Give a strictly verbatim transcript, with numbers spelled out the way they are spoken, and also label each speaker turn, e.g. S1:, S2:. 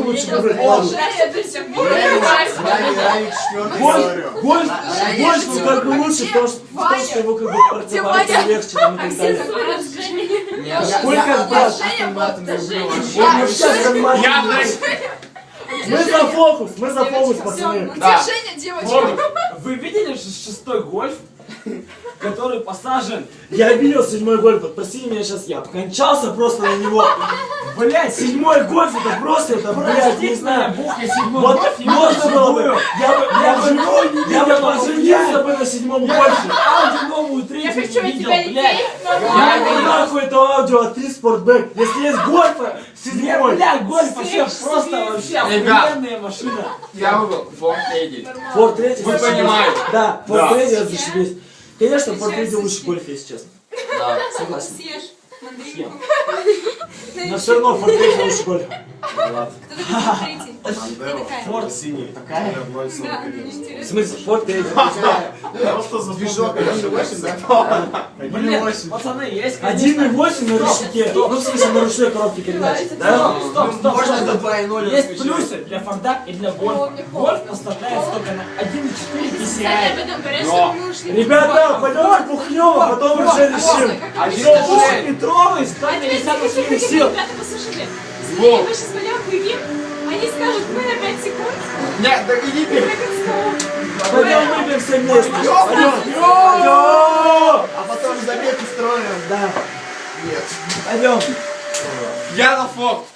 S1: Лучше выбрать ладу. Гольф, гольф, ну как бы лучше, потому что, потому что его как бы парковаться легче там и так далее. Сколько брат? Он сейчас мы за фокус, мы за фокус, пацаны.
S2: Утешение, девочки.
S3: Вы видели шестой гольф, который посажен?
S1: Я видел седьмой гольф, прости меня сейчас, я кончался просто на него. Блять, седьмой гольф, это просто, это, блядь, не знаю. Вот можно было бы, я бы, я бы, я бы поженился бы на седьмом гольфе.
S3: Ауди новую третью
S2: Я хочу от
S3: видел,
S2: тебя
S3: блядь.
S2: детей,
S1: Я не нахуй это аудио, а ты спортбэк. Если есть гольфа, седьмой.
S3: Бля, гольф вообще просто вообще охуенная машина.
S4: Я выбрал Форд Эдди.
S1: Форд третий.
S4: Вы понимаете?
S1: Да, Форд
S4: Да.
S1: третий, это зашибись. Конечно, Форд третий лучше гольфа, если честно.
S4: Да.
S1: Согласен.
S2: Съешь мандаринку.
S1: Но все равно Форд третий лучше гольфа.
S2: Кто такой третий? Я такая.
S1: Форд
S5: синий.
S1: такая?
S2: Да,
S1: В
S2: интересно.
S1: смысле, Форд третий.
S5: Просто за движок один и восемь, да? один и
S3: Блин,
S5: восемь.
S3: пацаны, есть,
S1: один и
S3: конечно.
S1: восемь на ручнике. Ну, в смысле, на ручной коробке передач. Да?
S3: Стоп, стоп, стоп,
S4: Можно
S3: стоп.
S4: до два и ноль
S3: Есть
S4: включать.
S3: плюсы для Форда и для Гольфа. Гольф поставляется только на один и четыре пи си ай.
S2: Об этом говорят,
S4: Но.
S2: что мы ушли.
S1: Ребята, пойдем бухнем, а потом уже решим.
S3: Петровый, сто пятьдесят лошадиных сил.
S2: Ребята, послушайте.
S4: Во.
S2: Если мы сейчас пойдем хуевим, они скажут, мы на пять секунд.
S4: Нет, так иди ты.
S1: Пойдем выпьем все вместе. Пойдем. Пойдем.
S5: А потом забег устроим.
S1: Да.
S5: Нет.
S1: Пойдем.
S4: Я на Форд.